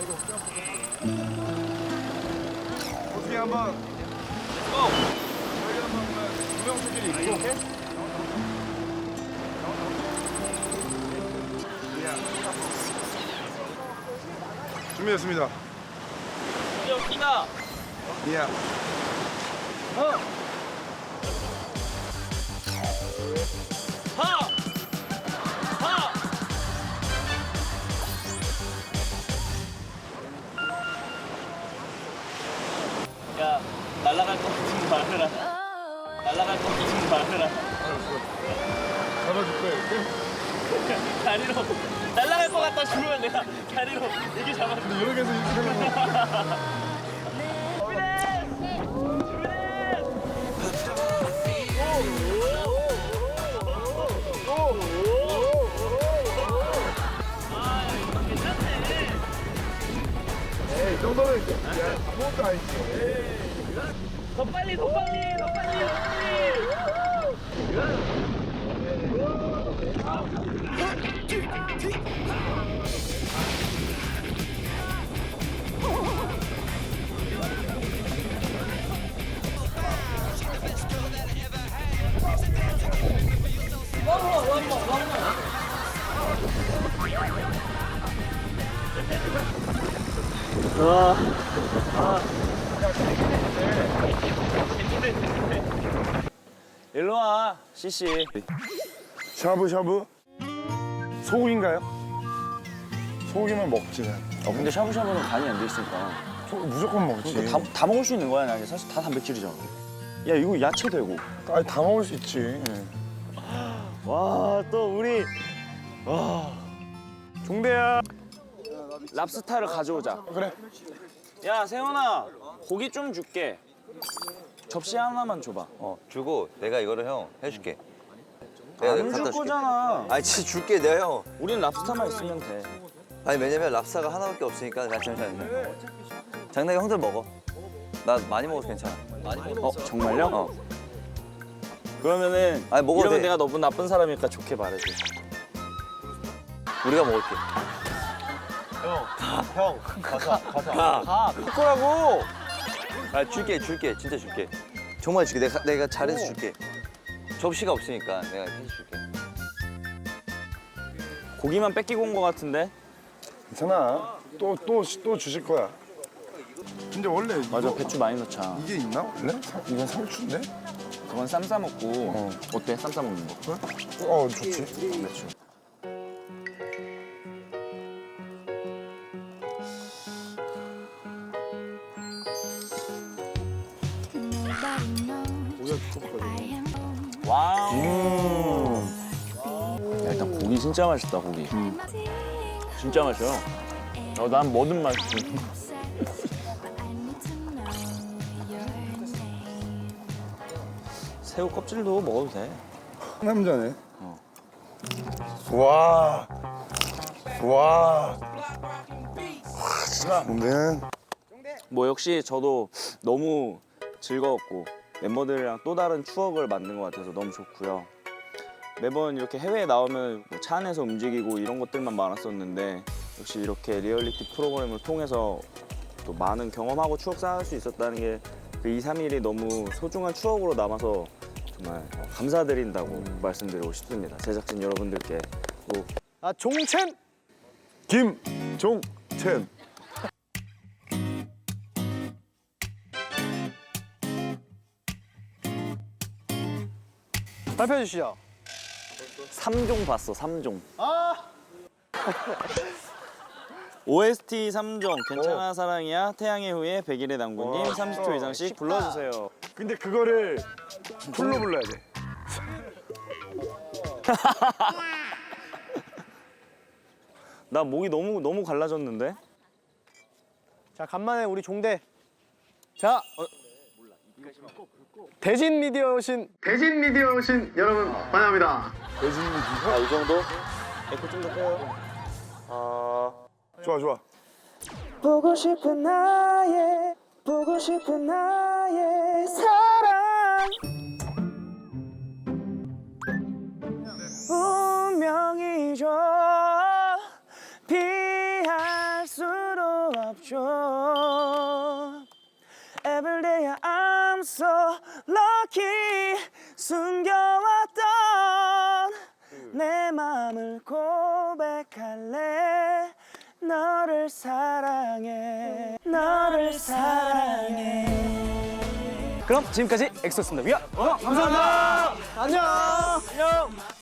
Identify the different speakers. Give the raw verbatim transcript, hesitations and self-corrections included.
Speaker 1: 어떻게 한번 고! 저희 한번 구명조끼리 입고 준비됐습니다.
Speaker 2: 여기다.
Speaker 1: 예.
Speaker 2: 어. 하. 하. 야, 날아갈 거 같은 말해라. 날아갈 거 같은 말해라.
Speaker 1: 잡아줄 거예요, 이렇게?
Speaker 2: 다리로 날아갈 것 같다 싶으면 내가 다리로 이렇게 잡아.
Speaker 1: 근데 이렇게 해서 이렇게 하는 거. 에이, 이 정도는 아무것도 아니지.
Speaker 2: 더 빨리, 더 빨리, 더 빨리, 더 와. 아. 일로 와, 씨씨.
Speaker 1: 샤브샤브? 소고기인가요? 소고기만 먹지.
Speaker 3: 어 근데 샤브샤브는 간이 안 돼 있으니까
Speaker 1: 소고기 무조건 먹지.
Speaker 3: 그러니까 다, 다 먹을 수 있는 거야. 나 사실 다 단백질이잖아. 야 이거 야채 되고.
Speaker 1: 아니, 다 먹을 수 있지.
Speaker 3: 와 또 우리 와 종대야 랍스타를 가져오자.
Speaker 1: 그래.
Speaker 3: 야 세훈아 고기 좀 줄게. 접시 하나만 줘봐.
Speaker 4: 어 주고 내가 이거를 형 해줄게.
Speaker 3: 안 줄
Speaker 4: 갖다 줄게.
Speaker 3: 거잖아.
Speaker 4: 아니 진짜 줄게 내가 형.
Speaker 3: 우린 랍스타만 있으면 돼.
Speaker 4: 아니 왜냐면 랍스타가 하나밖에 없으니까 나 잠시만요. 장난이 형들 먹어. 나 많이 먹어서 괜찮아. 많이 먹어.
Speaker 3: 어 정말요?
Speaker 4: 어.
Speaker 3: 그러면은
Speaker 4: 아니, 먹어도
Speaker 3: 이러면
Speaker 4: 돼.
Speaker 3: 내가 너무 나쁜 사람이니까 좋게 말해줘.
Speaker 4: 우리가 먹을게.
Speaker 1: 형, 가자, 가자.
Speaker 4: 가.
Speaker 3: 가 그거라고.
Speaker 4: 아 줄게 줄게 진짜 줄게. 정말 줄게. 내가 내가 잘해서 줄게. 접시가 없으니까 내가 해줄게.
Speaker 3: 고기만 뺏기고 온 거 같은데?
Speaker 1: 괜찮아. 또, 또, 또 주실 거야. 근데 원래
Speaker 3: 맞아
Speaker 1: 이거,
Speaker 3: 배추 많이 넣자.
Speaker 1: 이게 있나 원래? 사- 이건 상추인데?
Speaker 3: 그건 쌈 싸 먹고
Speaker 1: 어.
Speaker 3: 어때? 쌈 싸 먹는 거?
Speaker 1: 어, 좋지.
Speaker 3: 배추. 와우. 야, 일단 고기 진짜 맛있다 고기. 진짜 맛있어. 어, 난 뭐든 맛있어. 새우 껍질도 먹어도 돼.
Speaker 1: 남자네.
Speaker 3: 어.
Speaker 1: 와. 와. 근데
Speaker 3: 뭐 역시 저도 너무 즐거웠고 멤버들이랑 또 다른 추억을 만든 것 같아서 너무 좋고요. 매번 이렇게 해외에 나오면 뭐차 안에서 움직이고 이런 것들만 많았었는데 역시 이렇게 리얼리티 프로그램을 통해서 또 많은 경험하고 추억 쌓을 수 있었다는 게 그 이, 삼 일이 너무 소중한 추억으로 남아서 정말 감사드린다고 말씀드리고 싶습니다. 제작진 여러분들께 꼭
Speaker 5: 아 종첸
Speaker 1: 김종첸.
Speaker 5: 발표해 주시죠.
Speaker 3: 삼 종 봤어, 삼 종. 오에스티 삼 종, 괜찮아 사랑이야, 태양의 후예, 백일의 당구님,
Speaker 1: 와,
Speaker 3: 삼십 초 이상씩 불러주세요.
Speaker 1: 근데 그거를 풀로 불러야 돼.
Speaker 3: 나 목이 너무 너무 갈라졌는데?
Speaker 5: 자 간만에 우리 종대. 자 어, 대진 미디어 오신 대진 미디어 오신 여러분 환영합니다.
Speaker 3: 아, 이 정도? 에코 좀 더 빼요.
Speaker 1: 좋아, 좋아.
Speaker 6: 보고 싶은 나의 보고 싶은 나의 사랑 운명이죠 피할 수도 없죠. Every day I'm so lucky. 숨겨왔던 내 맘을 고백할래. 너를 사랑해. 너를 사랑해.
Speaker 2: 그럼 지금까지 엑소였습니다. 위아. 감사합니다. 안녕. 안녕.